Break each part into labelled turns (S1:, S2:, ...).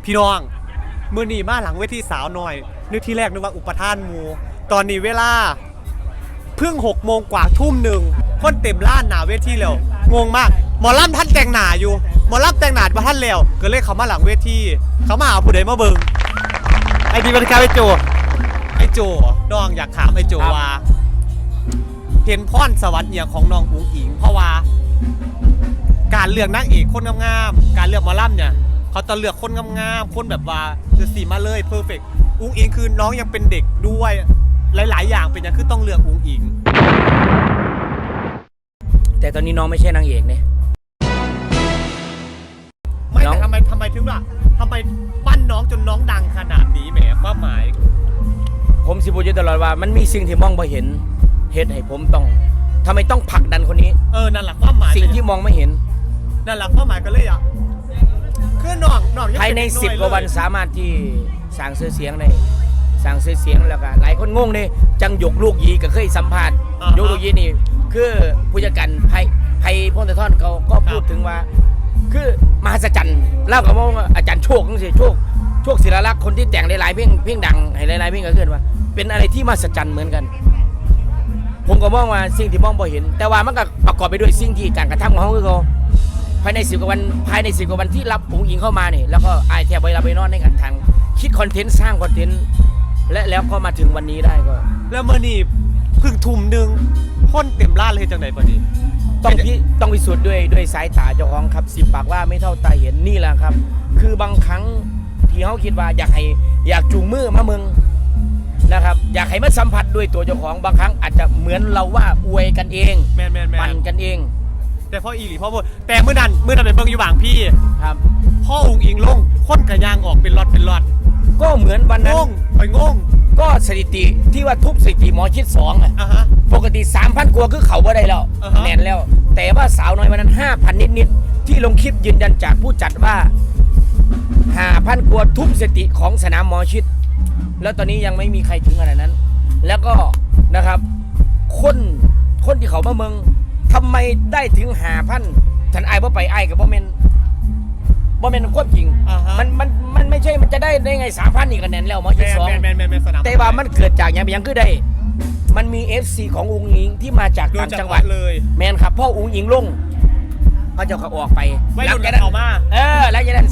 S1: พี่น้องมื้อนี้มาหลังเวทีสาวหน่อยนึกที่แรกนึกว่าอุปทานหมู่ตอนนี้เวลาเพิ่ง6 โมงกว่าทุ่มหนึ่งคนเต็มล้านหนาเวทีแล้วงงมากหมอลำท่านแต่งหนาอยู่หมอลำแต่งหนาบ่ท่านแล้วก็เลยเขามาหลังเวทีเขามาหาผู้ใดมาเบิ่งไอ้ดีมันครับไอ้โจน้องอยากถามไอ้โจว่าเห็นพรสวรรค์เนี่ยของน้องอุ๋งอิงเพราะว่าการเลือกนางเอกคนงามๆการเลือกหมอลำเนี่ยเขาจะเลือกคนงามๆคนแบบว่าจะสีมาเลยเพอร์เฟกต์อุ๋งอิงคือน้องยังเป็นเด็กด้วยหลายๆอย่างเป็นอย่างคือต้องเลือกอุ๋งอิง
S2: แต่ตอนนี้น้องไม่ใช่นางเอกเนี่ย
S1: ไม่แต่ทำไมถึงล่ะทำไมปั้นน้องจนน้องดังขนาดนี้แหมความหมาย
S2: ผมสิพูดอยู่ตลอดว่ามันมีสิ่งที่มองไม่เห็นเหตุให้ผมต้องทำไมต้องผลักดันคนนี้
S1: นั่นแหละความหมาย
S2: สิ่งที่มองไม่เห็น
S1: นั่นแหละความหมายกันเลยอ่ะคือน้อง
S2: ภายใน10 กว่าวันสามารถที่สร้างชื่อเสียงได้สร้างชื่อเสียงแล้วก็หลายคนงงเลยจังหยกลูกยีก็เคยสัมภาษณ์ยกลูกยีนี่คือผู้จัดการไพพงศธรเขาก็พูดถึงว่าคือมหัศจรรย์เล่ากับว่าอาจารย์โชคนั่นสิโชคศิลลักษณ์คนที่แต่งหลายๆเพลงดังให้หลายๆเพลงก็เกิดว่าเป็นอะไรที่มหัศจรรย์เหมือนกันผมก็มองว่าสิ่งที่มองบ่เห็นแต่ว่ามันก็ประกอบไปด้วยสิ่งที่การกระทำของเขาคือเขาภายใน10 กว่าวันที่รับอุ๋งอิงเข้ามาเนี่ยแล้วก็ไอแทบไปรับไปนอนในการทางคิดคอนเทนต์สร้างคอนเทนต์และแล้วก็มาถึงวันนี้ได้ก็
S1: แล้วเมื่อนี่เพิ่งทุ่มหนึ่งคนเต็มร้านเลยจังไหนพอดี
S2: ต้องพิสูจน์ด้วยสายตาเจ้าของครับ10 ปากว่าไม่เท่าตาเห็นนี่แหละครับคือบางครั้งที่เขาคิดว่าอยากจูงมือมาเมืองนะครับอยากให้มาสัมผัสด้วยตัวเจ้าของบางครั้งอาจจะเหมือนเราว่าอวยกันเองปั่นกันเอง
S1: แต่พ่ออีหลีพ่อพูดแต่เมื่อนั้นเป็นเบิ่งอยู่บางพี่
S2: ครับ
S1: พ่ออุ๋งอิงลงคนกระยางออกเป็นล็อต
S2: ก็เหมือนวันนั้น
S1: งง
S2: ก็สถิติที่ว่าทุบสถิติหมอชิด2ปกติ 3,000 กว่าคือเขาบ่ได้แล้วแน่นแล้วแต่ว่าสาวน้อยวันนั้น 5,000 นิดที่ลงคลิปยืนยันจากผู้จัดว่า 5,000 กว่าทุบสถิติของสนามหมอชิดแล้วตอนนี้ยังไม่มีใครถึงขนาดนั้นแล้วก็นะครับคนที่เขามาเมืองทำไมได้ถึง 5,000 ฉันไอ้บ่ไปไอ้กับบ่เมนควบจริงมันไม่ใช่มันจะได้ไง 3,000 นี่ก็แน่นแล้วหมอชิด2แต่ว่ามันเกิดจากอย่างคือได้มันมี FC ของอุ๋งอิงที่มาจากต่างจังหวัดเลยแมนครับพ่ออุ๋งอิงลงเขาจะเขาออกไป
S1: แล้วจะนั้น
S2: แล้วจะนั้น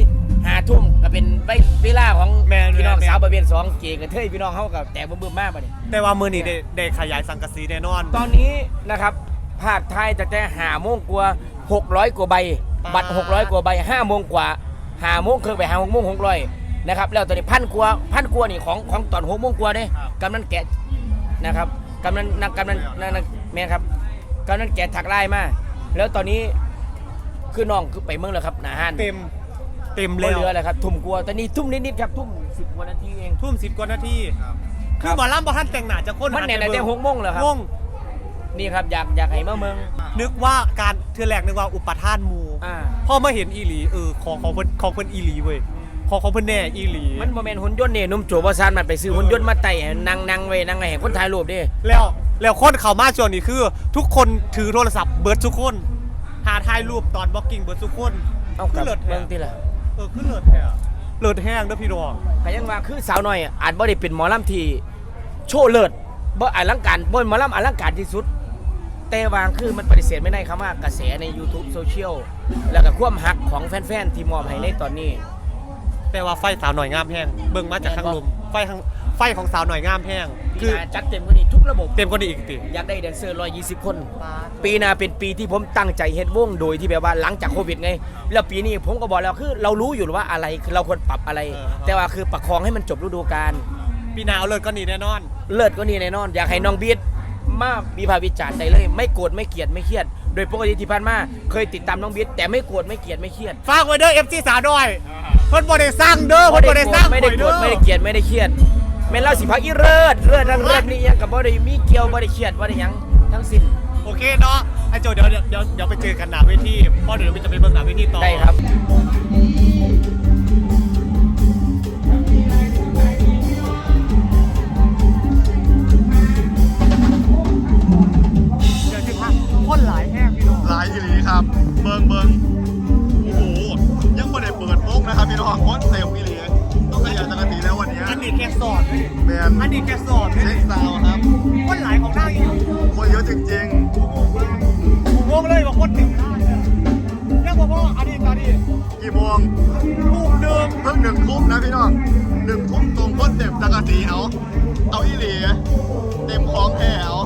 S2: 5 ทุ่มก็เป็นเวลาของพี่น้องสาวประเภท2เก๋กับเทยพี่น้องเขากับแต่บึ้มมากไป
S1: แต่ว่ามือนี่ได้ขยายสังกะสีแน่นอน
S2: ตอนนี้นะครับภาคไทยแต่5 โมงกว่า600 กว่าใบบัตร600 กว่าใบ5 โมงกว่า5 โมงครึ่งไป6 โมง600นะครับแล้วตอนนี้1,000 กว่านี่ของตอน6 โมงกว่าเนี่ยกำนันแกะนะครับกำนันแม่ครับกำนันแกะถักไล่มาแล้วตอนนี้คือน้องคือไปเมืองแล้วครับหน้าห้าน
S1: เต็มแล้ว
S2: เรืออะไรครับทุ่มกว่าตอนนี้ทุ่มนิดๆครับทุ่ม10 กว่านาทีเอง
S1: ทุ่ม10 กว่านาทีคือหมอลำบ่ท่านแต่งหน้าจะคน
S2: มันเนี่ยแต่6 โมงแล้วครับนี่ครับอยากให้มาเมือง
S1: นึกว่าการเทือแรกนึกว่าอุปทานหมู่พอมาเห็นอีหลีของเพิ่นอีหลีเว้ยของเพิ่นแน่อีหลี
S2: มันโมเมนต์หุ่นยนต์เนี่ยนุ่มโจบซานมันไปซื้อหุ่นยนต์มาไต่นั่งไว้นั่งไงเห็นคนถ่ายรูปดิ
S1: แล้วคนเข้ามาช่วงนี้คือทุกคนถือโทรศัพท์เบิร์ดทุกคนหาถ่ายรูปตอนบล็อกกิ้งเบิร์ดทุกคน
S2: ขึ้นเลิศเมืองที่ละ
S1: ขึ้นเลิศแท้เลิศแห้งด้วยพี่น้อง
S2: แต่ยังว่าคือสาวน้อยอาจบ่ได้เป็นหมอลำที่โชว์เลิศบ่อลังการบ่หมอลำอลังการที่สุดแต่วางคือมันปฏิเสธไม่ได้ครับว่ากระแสใน YouTube โซเชียลแล้วก็ความฮักของแฟนๆที่มอบให้ในตอนนี้
S1: แต่ว่าไฟสาวหน่อยงามแห้งเบิ่งมาจากข้างลมไฟของสาวหน่อยงามแห้ง
S2: คือจัดเต็มกว่านี้ทุกระบบ
S1: เต็มกว่านี้อีกติ
S2: อยากได้แดนเซอร์120 คนปีหน้าเป็นปีที่ผมตั้งใจเฮ็ดวงโดยที่แบบว่าหลังจากโควิดไงแล้วปีนี้ผมก็บอกแล้วคือเรารู้อยู่ว่าอะไรคือเราควรปรับอะไรแต่ว่าคือประคองให้มันจบฤดูกาล
S1: ปีหน้าเอาเลิศก็นี่แน่นอน
S2: อยากให้น้องบีทมาวิพากษ์วิจารณ์ได้เลยไม่โกรธไม่เกลียดไม่เครียดโดยปกติที่ผ่านมาเคยติดตามน้องบีทแต่ไม่โกรธไม่เกลียดไม่เครียด
S1: ฝากไว้เด้อ FC สาวน้อยเพิ่นบ่ได้สร้างเด้อเพิ่นบ่ได้สร้าง
S2: ไม่ได้โกรธไม่ได้เกลียดไม่ได้เครียดแม่นเล่าสิพักอีเลิศทั้งเลิศนี่ยังกับบ่ได้มีเกี่ยวบ่ได้เครียดบ่ได้ยังทั้งสิ้น
S1: โอเคเนาะไอ้โจเดี๋ยวไปเจอกันหน้าเวทีเพราะเดี๋ยวจะไปเบิ่งหน้าเวทีต่อ
S2: ได้ครับ
S1: คนหลายแห้งพี่น้อง
S3: หลายทีนี้ครับเบิ่งโอ้โหยังไม่ได้เปิดวงนะครับพี่น้องคนเต็มพี่หลีต้องขยันจังกะตีแล้ววันนี้
S1: อันนี้แกสอน
S3: แมน
S1: อันนี้แกสอน
S3: เช็คซาวครับ
S1: คนหลายของหน้าอยู่
S3: คนเยอะจริง
S1: งงเลยว่าคนติดหน้าเรียกว่าพ่ออันนี้ตอนนี้
S3: ๆกี่โมง
S1: ลูกเดิม
S3: เพิ่ง1 ทุ่มนะพี่น้อง1 ทุ่มตรงคนเต็มจังกะตีเอาอีหลีเต็มของแท้เอา